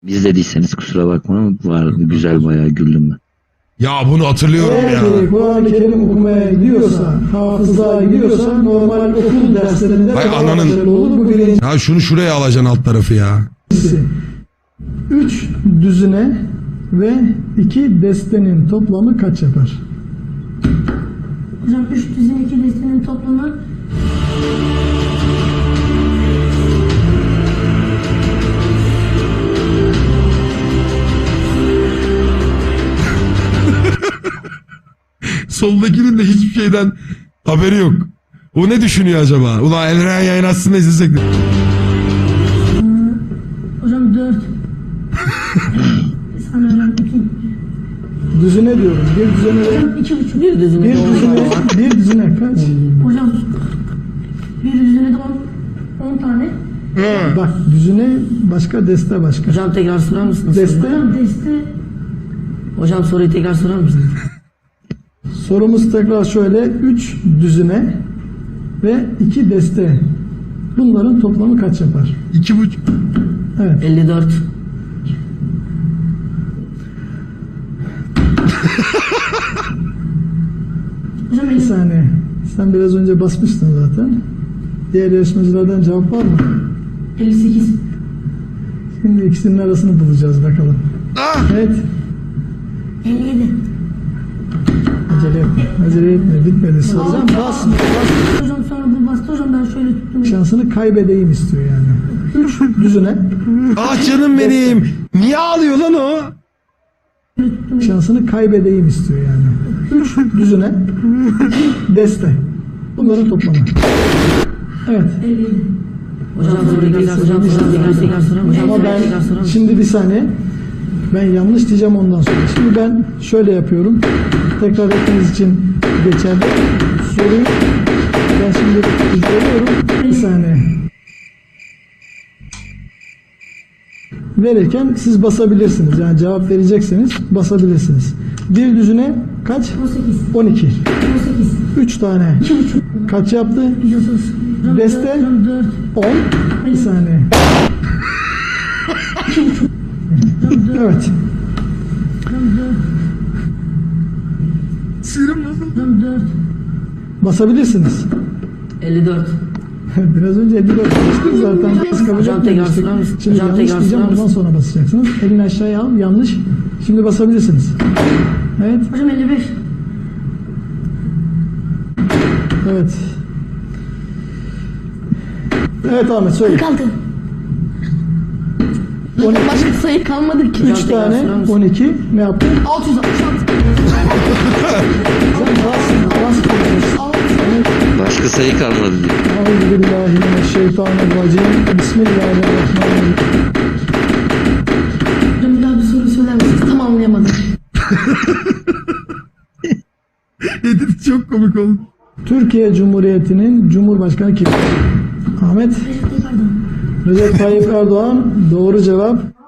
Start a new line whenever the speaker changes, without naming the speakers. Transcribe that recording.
İzlediyseniz kusura bakma ama vardı güzel, bayağı güldüm ben.
Ya bunu hatırlıyorum ya.
Eğer Kur'an-ı Kerim okumaya gidiyorsa, hafızlığa gidiyorsa normal okul derslerinde
Vay
daha
ananın.
başarılı olur. Bu birincisi.
Ha şunu şuraya alacaksın alt tarafı ya.
3 düzine ve 2 destenin toplamı kaç yapar?
Hocam 3 düzine 2 destenin toplamı
Soldakinin de hiçbir şeyden haberi yok. O ne düşünüyor acaba? Ulan Elren yayın aslında izlesek de.
hocam 4. Bir saniye hocam 2.
Düzine diyorum. Bir düzine
Hocam 2,5.
bir düzine kaç?
Hocam bir düzine de 10 tane.
Bak düzine başka, deste başka.
Hocam tekrar sorar mısınız?
Deste.
Hocam deste
Hocam soruyu tekrar sorar mısınız?
Sorumuz tekrar şöyle. 3 düzine ve 2 deste. Bunların toplamı kaç yapar?
2,5.
Evet.
54.
hocam
Bir
50.
saniye. Sen biraz önce basmıştın zaten. Diğer yarışmacılardan cevap var mı?
58.
Şimdi ikisinin arasını bulacağız bakalım. Evet.
57.
Acele etme. Acele etme. Bitmedi soru.
Hocam,
Bas.
Hocam sonra bu bastı hocam ben şöyle tuttum.
Şansını kaybedeyim istiyor yani. 3 düzine.
Ah canım benim. Niye ağlıyor lan o?
Şansını kaybedeyim istiyor yani. 3 düzine. Deste. Bunların toplamı. Evet.
57.
Hocam soruyu tekrar sorar mısınız?
Ama ben şimdi bir saniye. Ben yanlış diyeceğim ondan sonra. Şimdi ben şöyle yapıyorum. Tekrar etmeniz için geçerli. Soruyu ben şimdi izliyorum. Bir saniye. Verirken siz basabilirsiniz. Yani cevap verecekseniz basabilirsiniz. Bir düzine kaç?
18.
12.
18.
3 tane.
2,5.
Kaç yaptı?
130. Hocam
Deste?
Hocam 4.
10. Bir saniye. Evet.
Hocam 4.
Sinirim nasıl?
Hocam 4.
Basabilirsiniz.
54.
Biraz önce 54 bastık zaten. Biz kabul
Hocam tekrar
etmemiştik.
sorar mısın?
Şimdi
Hocam
yanlış
tekrar
diyeceğim,
sorar
ondan
mısın?
sonra basacaksınız. Elini aşağıya al, yanlış. Şimdi basabilirsiniz. Evet,
Hocam 55.
evet. Evet Ahmet söyle.
46.
12,
Başka sayı kalmadı ki.
3 tane, 12. Ne yaptın?
666.
Sen bas.
Başka sayı kalmadı diyor.
Euzubillahimineşşeytanirracim. Bismillahirrahmanirrahim.
Hocam bir daha bir soru söyler misiniz? Tam anlayamadım.
Edit çok komik oldu.
Türkiye Cumhuriyeti'nin Cumhurbaşkanı kim? Ahmet
Recep Tayyip Erdoğan.
Recep Tayyip Erdoğan. Doğru cevap.